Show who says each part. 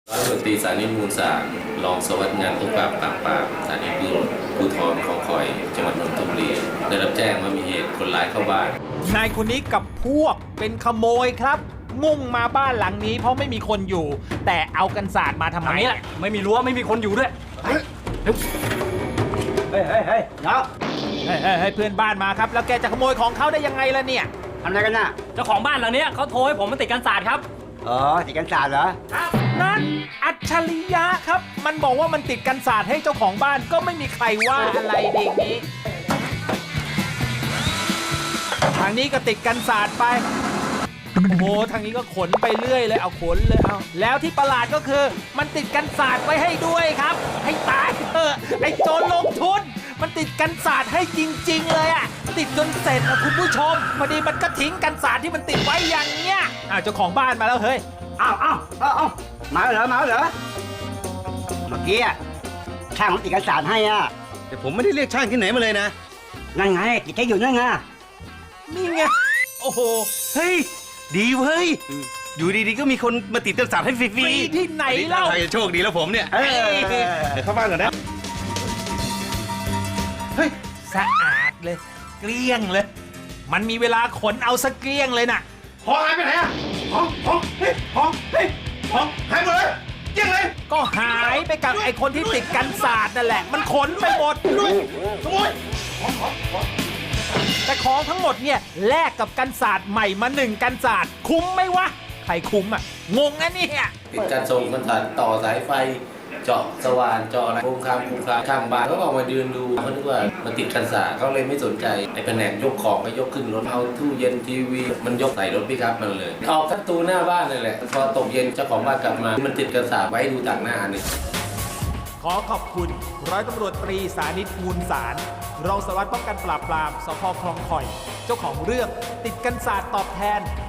Speaker 1: ร้อยตำรวจตรีสานิต มูลสารรองสารวัสดิ์งานป้องกันปราบปรามสถานีภูธรคลองคอยจังหวัดนนทบุรีได้รับแจ้งว่ามีเหตุคนร้ายเข้าบ้าน
Speaker 2: นายคนนี้กับพวกเป็นขโมยครับมุ่งมาบ้านหลังนี้เพราะไม่มีคนอยู่ แต่เอากันศาสตร์มาทำไม
Speaker 3: นี่แหละไม่มีรั้วไม่มีคนอยู่ด้วยเฮ้ยเดี๋ยว
Speaker 2: ให้เพื่อนบ้านมาครับแล้วแกจะขโมยของเขาได้ยังไงล่ะเนี่ย
Speaker 4: ทำอะไรกันน่ะ
Speaker 3: เจ้าของบ้านหลังเนี้ยเขาโทรให้ผมมาติดกันศาสตร์ครับ
Speaker 4: อ๋อติดกันศาสตร์เหรอ
Speaker 2: นั่นอัจฉริยะครับ มันบอกว่ามันติดกันศาสตร์ให้เจ้าของบ้านก็ไม่มีใครว่าอะไรเด็กนี้ทางนี้ก็ติดกันศาสตร์ไปโอ้โหทางนี้ก็ขนไปเรื่อยเลยเอาขนเลยเอาแล้วที่ประหลาดก็คือมันติดกันศาสตร์ไว้ให้ด้วยครับ ให้ตายเถอะไอ้โจรลงทุนมันติดกันศาสตร์ให้จริงๆเลยอะติดจนเสร็จนะคุณผู้ชมพอดีมันก็ทิ้งกันศาสตร์ที่มันติดไว้อย่างเงี้ยเจ้าของบ้านมาแล้วเฮ้ย
Speaker 4: อ้าวมาเหรอเมื่อกี้อะช่างผมติดกันศาสตร์ให้อ่ะ
Speaker 5: แต่ผมไม่ได้เรียกช่างที่ไหนมาเลยนะ
Speaker 4: นั่นไงติดให้อยู่นั่นไง
Speaker 2: นี่ไงโอ้โห
Speaker 5: เฮ้ย ดีเว้ย อยู่ดีๆก็มีคนมาติดกันศาสตร์ให้ฟรี
Speaker 2: ฟรีที่ไหนเล่า
Speaker 5: ใครจะโชคดีแล้วผมเนี่ย
Speaker 4: เออ
Speaker 5: เดี๋ยวเข้าบ้านก่อนนะ เฮ้ย
Speaker 2: สะอาดเลย เกลี้ยงเลย มันมีเวลาขนเอาสะเกลี้ยงเลยน่ะ
Speaker 5: ของหายไปไหนอะของหายหมดเลยเยี่ยงเลย
Speaker 2: ก็หายไปกับไอ้คนที่ติดกันศาสตร์นั่นแหละ มันขนไปหมด
Speaker 5: ขโมย
Speaker 2: แต่ของทั้งหมดเนี่ยแลกกับกันศาสตร์ใหม่มา1กันศาสตร์คุ้มไหมวะ ใครคุ้มอ่ะ งงนะเนี่ย
Speaker 1: ติดการส่งกันศาสตร์ต่อสายไฟเจาะสว่านเจาะอะไรโครงคามข้างบ้านเขาก็ออกมายืนดูเขาคิดว่ามันติดกันศาสตร์เขาเลยไม่สนใจไอ้แผนกยกของก็ยกขึ้นรถเอาตู้เย็นทีวีมันยกใส่รถปิกอัพมันเลยออกประตูหน้าบ้านนั่นแหละพอตกเย็นเจ้าของบ้านกลับมามันติดกันศาสตร์ไว้ดูต่างหน้าเนี่ย
Speaker 2: ขอขอบคุณร้อยตำรวจตรีสานิต มูลสารรองสารวัตรป้องกันปราบปรามสพคลองข่อย เจ้าของเรื่องติดกันศาสตร์ตอบแทน